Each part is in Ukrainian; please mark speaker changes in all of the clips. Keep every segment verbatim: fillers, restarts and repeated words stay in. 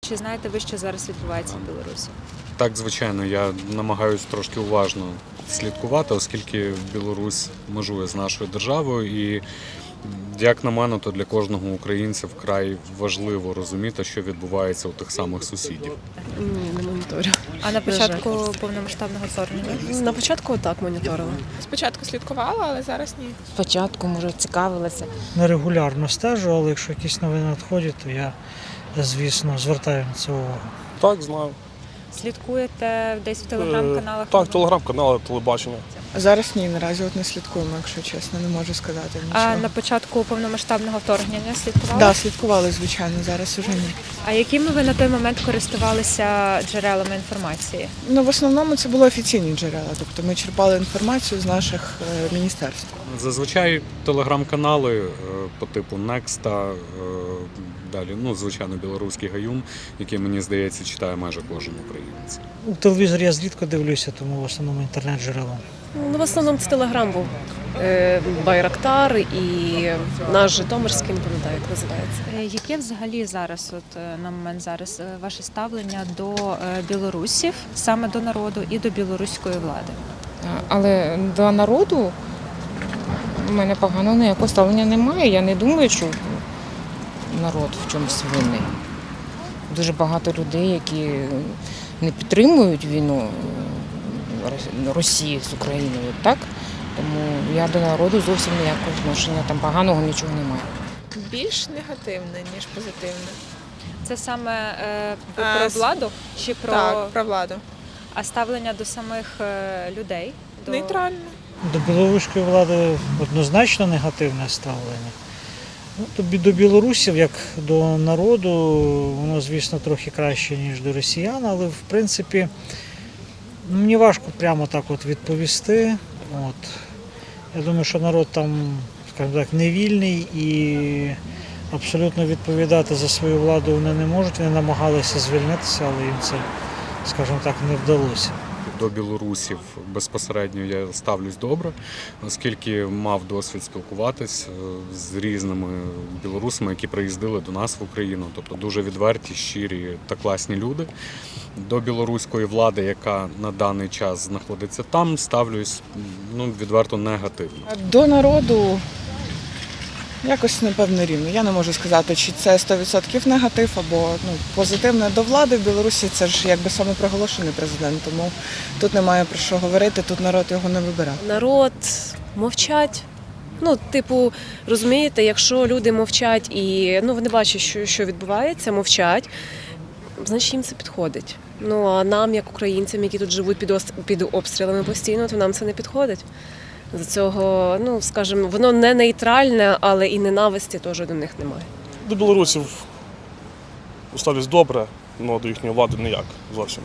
Speaker 1: Чи знаєте ви, що зараз відбувається в Білорусі?
Speaker 2: Так, звичайно, я намагаюся трошки уважно слідкувати, оскільки Білорусь межує з нашою державою. І, як на мене, то для кожного українця вкрай важливо розуміти, що відбувається у тих самих сусідів.
Speaker 3: Ні, не моніторю.
Speaker 1: А на початку повномасштабного вторгнення?
Speaker 3: На початку так моніторила.
Speaker 4: Спочатку слідкувала, але зараз ні.
Speaker 5: Спочатку, може, цікавилася.
Speaker 6: Нерегулярно стежу, але якщо якісь новини надходять, то я, звісно, звертаю на це увагу.
Speaker 7: Так, знаю.
Speaker 1: Слідкуєте десь в телеграм-каналах?
Speaker 7: Так, телеграм-канали, телебачення.
Speaker 8: Зараз ні, наразі от не слідкуємо, якщо чесно, не можу сказати нічого.
Speaker 1: А на початку повномасштабного вторгнення слідкували?
Speaker 8: Так, да, слідкували, звичайно, зараз уже ні.
Speaker 1: А якими ви на той момент користувалися джерелами інформації?
Speaker 8: Ну, в основному це були офіційні джерела, тобто ми черпали інформацію з наших е, міністерств.
Speaker 2: Зазвичай телеграм-канали е, по типу Некста, е, далі, ну, звичайно, білоруський Гаюм, який, мені здається, читає майже кожен українець.
Speaker 6: У телевізор я зрідко дивлюся, тому в основному інтернет-джерело.
Speaker 3: Ну, в основному це Телеграм був. Е, Байрактар і наш Житомирський, не пам'ятаю, як називається.
Speaker 1: Е, Яке взагалі зараз, от е, на момент зараз, е, ваше ставлення до е, білорусів, саме до народу і до білоруської влади?
Speaker 5: Але до народу в мене поганого ніякого ставлення немає. Я не думаю, що народ в чомусь винний. Дуже багато людей, які не підтримують війну Росії з Україною, так? Тому я до народу зовсім ніякого відношення, там поганого нічого немає.
Speaker 4: Більш негативне, ніж позитивне.
Speaker 1: Це саме е, ви
Speaker 4: А,
Speaker 1: про
Speaker 4: с-
Speaker 1: владу чи про
Speaker 4: Так, про владу.
Speaker 1: а ставлення до самих е, людей? До...
Speaker 4: Нейтрально.
Speaker 6: До білоруської влади однозначно негативне ставлення. Ну, то бі- до білорусів, як до народу, воно, звісно, трохи краще, ніж до росіян, але, в принципі, ну, мені важко прямо так от відповісти. От. Я думаю, що народ там, скажімо так, не вільний і абсолютно відповідати за свою владу вони не можуть. Вони намагалися звільнитися, але їм це, скажімо так, не вдалося.
Speaker 2: До білорусів безпосередньо я ставлюсь добре, оскільки мав досвід спілкуватись е, з різними білорусами, які приїздили до нас в Україну. Тобто дуже відверті, щирі та класні люди. До білоруської влади, яка на даний час знаходиться там, ставлюсь, ну, відверто негативно.
Speaker 8: До народу якось, напевно, рівно. Я не можу сказати, чи це сто відсотків негатив або ну, позитивне. До влади в Білорусі це ж якби самопроголошений президент, тому тут немає про що говорити, тут народ його не вибирав.
Speaker 3: Народ мовчать. Ну, типу, розумієте, якщо люди мовчать і ну, вони бачать, що, що відбувається, мовчать, значить їм це підходить. Ну, а нам, як українцям, які тут живуть під, ос- під обстрілами постійно, то нам це не підходить. За цього, ну, скажімо, воно не нейтральне, але і ненависті теж до них немає.
Speaker 7: До білорусів ставлюсь добре, але до їхньої влади ніяк зовсім.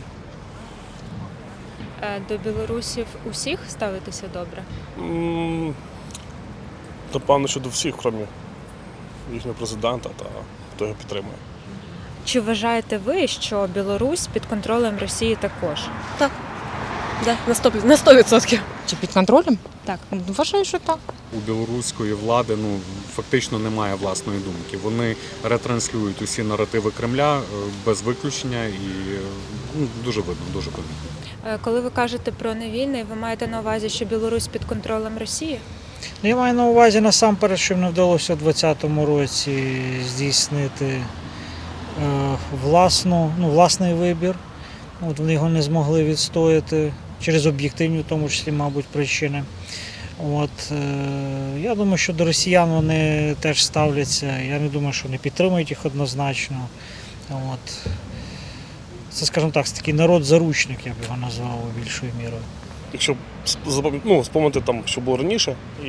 Speaker 1: Е, До білорусів усіх ставитися добре?
Speaker 7: М, Напевно, що до всіх, крім їхнього президента та хто його підтримує.
Speaker 1: Чи вважаєте ви, що Білорусь під контролем Росії також?
Speaker 3: Да, на сто на сто відсотків.
Speaker 5: Чи під контролем?
Speaker 1: Так.
Speaker 5: Вважаю, що так.
Speaker 2: У білоруської влади ну, фактично немає власної думки. Вони ретранслюють усі наративи Кремля е, без виключення і е, ну, дуже видно, дуже видно.
Speaker 1: Е, Коли ви кажете про невільний, ви маєте на увазі, що Білорусь під контролем Росії?
Speaker 6: Ну, я маю на увазі насамперед, що їм не вдалося у двадцятому році здійснити е, власну, ну, власний вибір. От вони його не змогли відстояти через об'єктивні, в тому числі, мабуть, причини. От, е, я думаю, що до росіян вони теж ставляться. Я не думаю, що вони підтримують їх однозначно. От. Це, скажімо так, такий народ-заручник, я б його назвав більшою мірою.
Speaker 7: Якщо запам- ну, спомнити, там, що було раніше, і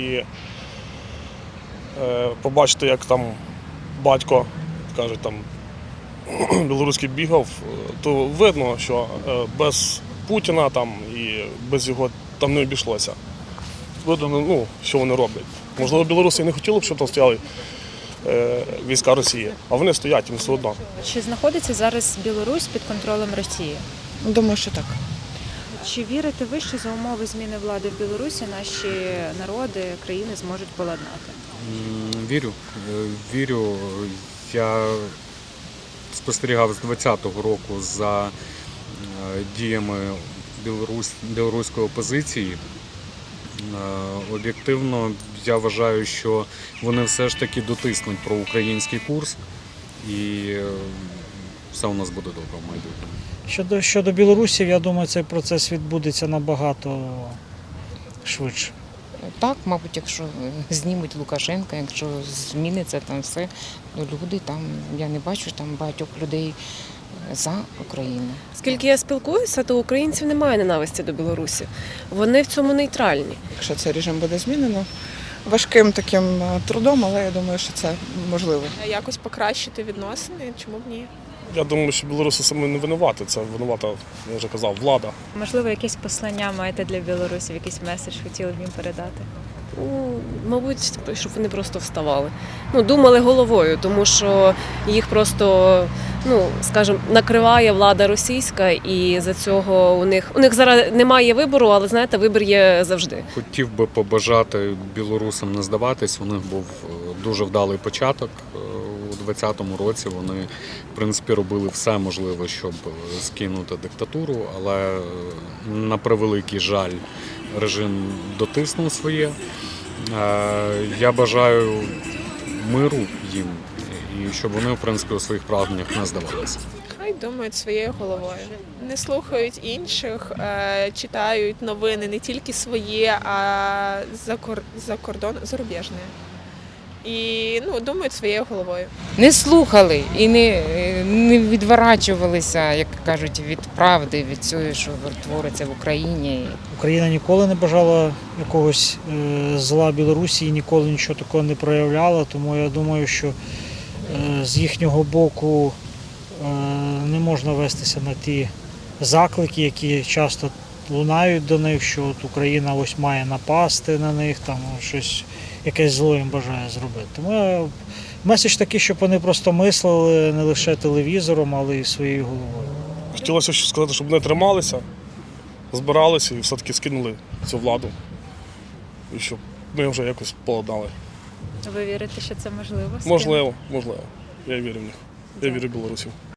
Speaker 7: е, побачити, як там батько, каже, там, білоруський бігав, то видно, що е, без Путіна там, і без його там не обійшлося. Видно, ну, що вони роблять. Можливо, білоруси і не хотіли б, щоб там стояли е, війська Росії, а вони стоять, їм все одно.
Speaker 1: Чи знаходиться зараз Білорусь під контролем Росії?
Speaker 8: Думаю, що так.
Speaker 1: Чи вірите ви, що за умови зміни влади в Білорусі наші народи, країни зможуть поладнати?
Speaker 2: М, Вірю, Е, вірю. Я спостерігав з двадцятого року за е, діями білорусь, білоруської опозиції. Е, Об'єктивно, я вважаю, що вони все ж таки дотиснуть проукраїнський курс, і е, все у нас буде добре в майбутньому.
Speaker 6: Щодо, щодо білорусів, я думаю, цей процес відбудеться набагато швидше.
Speaker 5: Так, мабуть, якщо знімуть Лукашенка, якщо зміниться там все, ну люди там, я не бачу там багатьох людей за Україну.
Speaker 3: Скільки я спілкуюся, то у українців немає ненависті до Білорусі. Вони в цьому нейтральні.
Speaker 8: Якщо цей режим буде змінено, важким таким е, трудом, але я думаю, що це можливо.
Speaker 4: Якось покращити відносини, чому б ні?
Speaker 7: Я думаю, що білоруси саме не винуваті. Це винувата, я вже казав, влада.
Speaker 1: Можливо, якесь послання маєте для білорусів, якийсь меседж хотіли б їм передати?
Speaker 3: Ну, мабуть, щоб вони просто вставали. Ну, думали головою, тому що їх просто, ну, скажімо, накриває влада російська, і за цього у них у них зараз немає вибору, але знаєте, вибір є завжди.
Speaker 2: Хотів би побажати білорусам не здаватись. У них був е, дуже вдалий початок. Е, У двадцятому році вони, в принципі, робили все можливе, щоб е, скинути диктатуру, але е, на превеликий жаль режим дотиснув своє. Е, Я бажаю миру їм і щоб вони, в принципі, у своїх прагненнях не здавалися.
Speaker 4: Хай думають своєю головою. Не слухають інших, е, читають новини не тільки свої, а за, кор... за кордон зарубіжні. І ну, думають своєю головою.
Speaker 5: Не слухали і не, не відворачувалися, як кажуть, від правди, від цього, що твориться в Україні.
Speaker 6: Україна ніколи не бажала якогось е, зла Білорусі і ніколи нічого такого не проявляла, тому я думаю, що е, з їхнього боку е, не можна вестися на ті заклики, які часто лунають до них, що от Україна ось має напасти на них, там щось, якесь зло їм бажає зробити. Тому я, меседж такий, щоб вони просто мислили не лише телевізором, але й своєю головою.
Speaker 7: Хотілося ще сказати, щоб не трималися, збиралися і все-таки скинули цю владу. І щоб ми вже якось поладнали.
Speaker 1: Ви вірите, що це можливо?
Speaker 7: Можливо, можливо. Я вірю в них. Я вірю в білорусів.